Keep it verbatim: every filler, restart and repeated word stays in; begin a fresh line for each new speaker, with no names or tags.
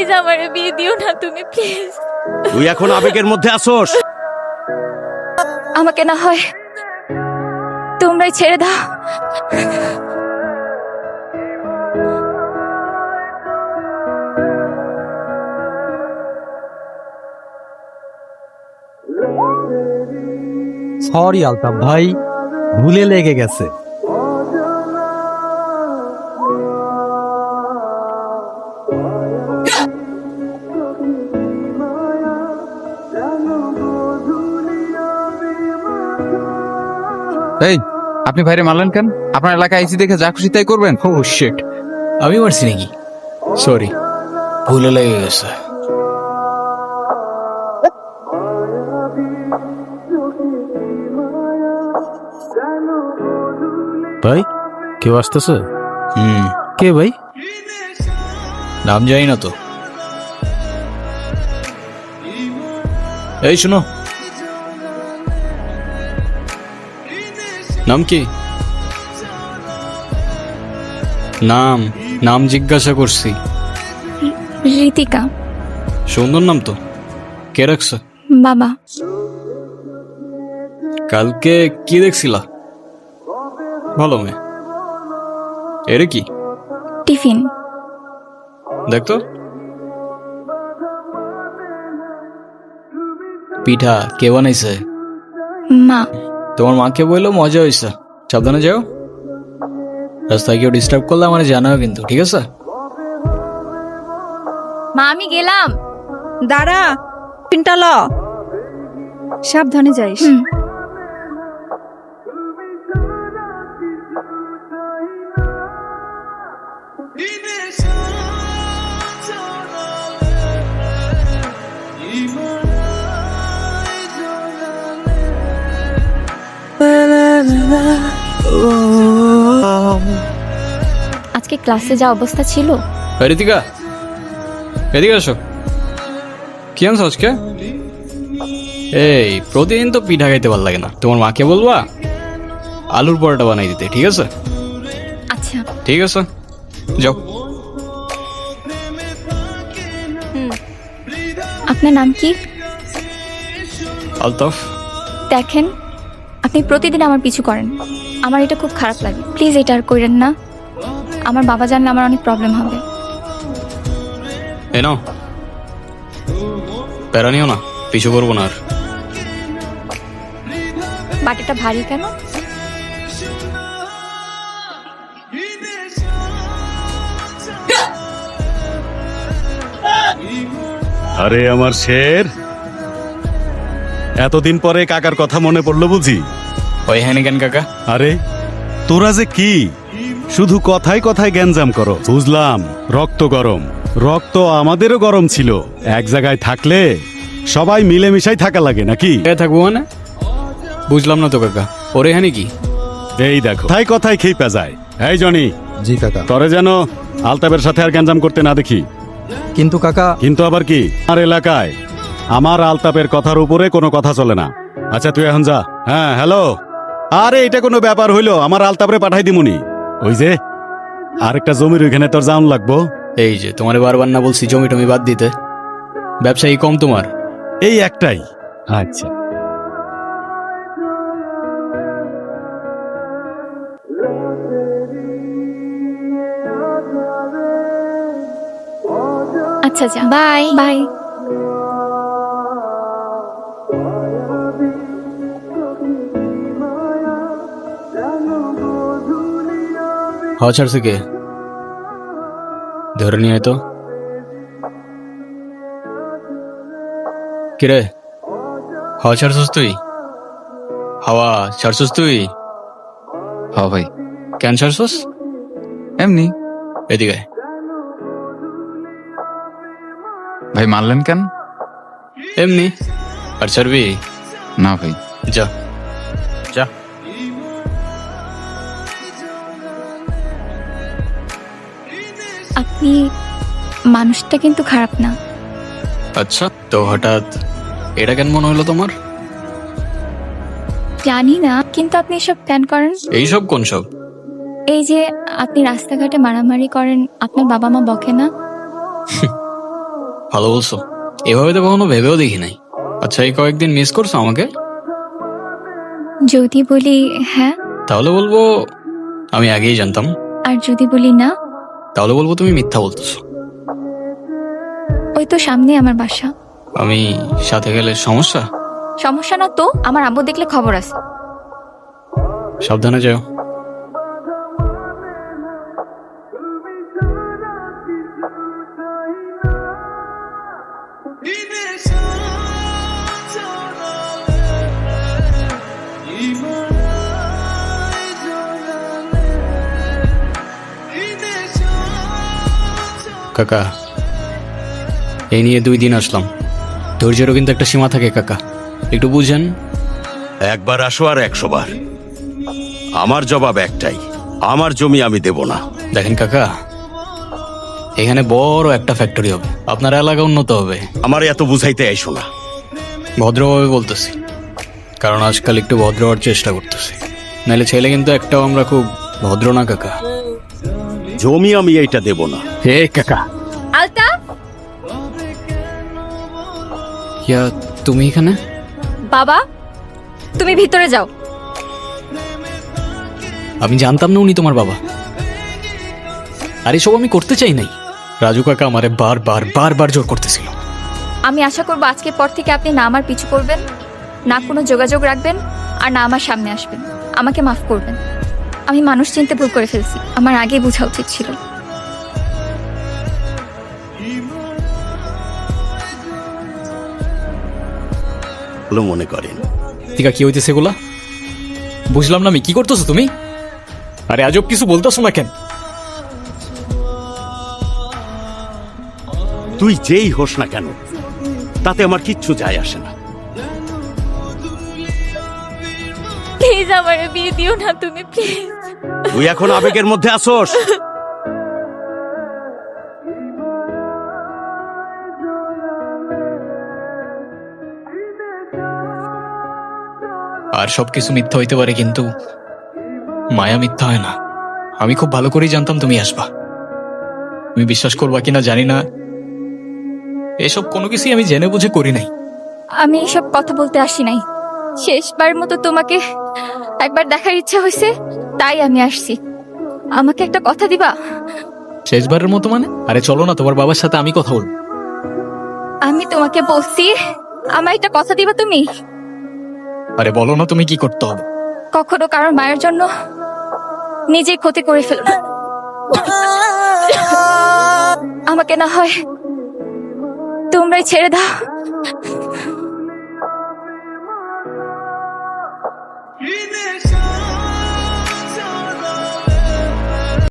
Please আমারে বিয়ে দিও না তুমি, প্লিজ।
তুই এখন আবেগের মধ্যে আসোস।
আমাকে না হয় তোমরাই ছেড়ে দাও।
সরি আলতাফ ভাই, ভুলে লেগে গেছে।
এই, আপনি ভাইরে মারলেন কেন? আপনার এলাকায় আইসি দেখে যা খুশি তাই করবেন?
ও শিট, আমি মারছি নাকি? সরি, ভুলে লেগে গেছে।
ভাই কেউ আসতেছে?
হুম,
কে ভাই?
নাম জানি না তো। এই শুনো, নাম কি? নাম নাম জিজ্ঞাসা করছি।
ঋতিকা।
সুন্দর নাম তো, কে রাখছে?
বাবা।
কালকে কি দেখছিলা? ভালো মেয়ে। এরে কি?
টিফিন।
দেখতো, পিঠা কে বানাইছে?
মা।
তোমার মাকে বললো মজা হয়েছে, সাবধানে যাও। রাস্তায় কেউ ডিস্টার্ব করলে আমার জানাও কিন্তু, ঠিক আছে?
মা আমি গেলাম।
দাঁড়া, পিনটা ল, সাবধানে যাইস।
হুম। আজকে ক্লাসে যা অবস্থা ছিল।
এই ঋতিকা, এদিকে আসো। কি আনছো আজকে? এই প্রতিদিন তো পিঠা খাইতে ভালো লাগে না, তোমার মাকে বলবা আলুর পরোটা বানাই দিতে, ঠিক আছে?
আচ্ছা।
ঠিক আছে, যাও।
আপনার নাম কি?
আলতাফ।
দেখেন, আপনি প্রতিদিন আমার পিছু করেন, আমার এটা খুব খারাপ লাগে। প্লিজ এটা আর করেন না, আমার বাবা জানলে আমার অনেক প্রবলেম হবে।
এ নাও, প্যারা নিও না, পিছু করবো না আর।
বাটিটা ভারী কেন?
আরে আমার শের, এতদিন পরে কাকার কথা মনে পড়লো বুঝি?
ওই হ্যানি কেন কাকা?
আরে তোরা যে কি শুধু কথায় কথায় গ্যাঞ্জাম করো। বুঝলাম রক্ত গরম, রক্ত আমাদেরও গরম ছিল। এক জায়গায় থাকলে সবাই মিলেমিশাই থাকা লাগে নাকি?
এ থাকবো মানে? বুঝলাম না তো কাকা, ওরে হ্যানি কি?
এই দেখো কথায় কথায় খেপা যায়। এই জনি,
জি কাকা।
তরে যেন আলতাবের সাথে আর গ্যাঞ্জাম করতে না দেখি।
কিন্তু কাকা,
কিন্তু আবার কি, আমার এলাকায় আমার আলতাপের কথার উপরে কোনো কথা চলে না। আচ্ছা তুই এখন যা। হ্যাঁ হ্যালো, আরে এটা কোনো ব্যাপার হইলো? আমার আলতাপরে পাঠাই দিমুনি। ওই যে আরেকটা জমির ওইখানে তোর জাউন লাগবো।
এই যে তোমারে বারবার না বলছি জমি টমি বাদ দিতে? ব্যবসায়ী কম তোমার?
এই একটাই। আচ্ছা
আচ্ছা আচ্ছা, বাই বাই।
হাওয়া ছাড়ছে কে? ধরে নিয়ে আয় তো। কিরে, হাওয়া ছাড়ছস তুই? হাওয়া ছাড়ছস তুই?
হ্যাঁ ভাই।
কেন ছাড়ছস?
এমনি।
এদিকে আয়।
ভাই মারলেন কেন?
এমনি। আর ছাড়বি?
না ভাই।
যা যা।
আপনি মানুষটা কিন্তু খারাপ না।
আচ্ছা, তো হঠাৎ এটা কেন মনে হলো তোমার?
জানি না, কিন্তু আপনি এসব কেন করেন?
এইসব কোন সব?
এই যে আপনি রাস্তাঘাটে মারামারি করেন, আপনার বাবা মা বকে না?
ভালো বলছো, এভাবে তো কখনো ভেবেও দেখি নাই। আচ্ছা, এই কয়েকদিন মিস করছো আমাকে?
যদি বলি হ্যাঁ,
তাহলে বলবো আমি আগেই জানতাম।
আর যদি বলি না,
তাহলে বলবো তুমি মিথ্যা বলতেছো।
ওই তো সামনে আমার বাসা।
আমি সাথে গেলে সমস্যা?
সমস্যা না তো, আমার আব্বু দেখলে খবর আছে।
সাবধানে যাও। কাকা, এই নিয়ে দুই দিন আসলাম, ধৈর্যেরও কিন্তু একটা সীমা থাকে কাকা, একটু বুঝেন।
একবার আসো আর একশো বার, আমার জবাব একটাই, আমার জমি আমি দেব না।
দেখেন কাকা, এখানে বড় একটা ফ্যাক্টরি হবে, আপনার এলাকা উন্নত হবে।
আমার এত বুঝাইতে আইসো না।
ভদ্রভাবে বলতেছি, কারণ আজকাল একটু ভদ্র হওয়ার চেষ্টা করতেছি, নাহলে ছেলে কিন্তু একটাও আমরা খুব ভদ্র না কাকা।
জমি আমি এইটা দেব না।
হে কাকা।
আলতাফ,
ইয়া, তুমি এখানে?
বাবা তুমি ভিতরে যাও।
আমি জানতাম না উনি তোমার বাবা। আর এসব আমি করতে চাই নাই। রাজু কাকা আমারে বারবার বারবার জোর করতেছিল।
আমি আশা করবো আজকের পর থেকে আপনি না আমার পিছু করবেন, না কোনো যোগাযোগ রাখবেন, আর না আমার সামনে আসবেন। আমাকে মাফ করবেন, আমি মানুষ চিনতে ভুল করে ফেলছি, আমার আগেই বোঝা উচিত ছিল।
ভালো মনে করেন।
টিকা কি হইতেছে এগুলা? বুঝলাম না আমি, কি করতেছো তুমি? আরে আজব কিছু বলতেছো না কেন?
তুই যেই হোস না কেন, তাতে আমার কিচ্ছু যায় আসে না।
প্লিজ আমার বিয়ে দিও না তুমি, প্লিজ।
তুই এখন আবেগের মধ্যে আসোস।
আর সবকিছু মিথ্যা হইতে পারে, কিন্তু মায়া মিথ্যা হয় না। আমি খুব ভালো করেই জানতাম তুমি আসবা। তুমি বিশ্বাস করবা কিনা জানি না, এসব কোনো কিছুই আমি জেনে বুঝে করি নাই।
আমি এসব কথা বলতে আসি নাই, শেষবার মতো তোমাকে একবার দেখার ইচ্ছা হয়েছে, তাই আমি আসছি। আমাকে একটা কথা দিবা?
শেষবারের মতো মানে? আরে চলো না, তোমার বাবার সাথে আমি কথা বলবো।
আমি তোমাকে বলছি, আমার একটা কথা দিবা তুমি?
আরে বলো না, তুমি কি করতে হবে?
কখনো কারোর মায়ের জন্য নিজেই ক্ষতি করে ফেলো না। আমাকে না হয় তোমরাই ছেড়ে দাও।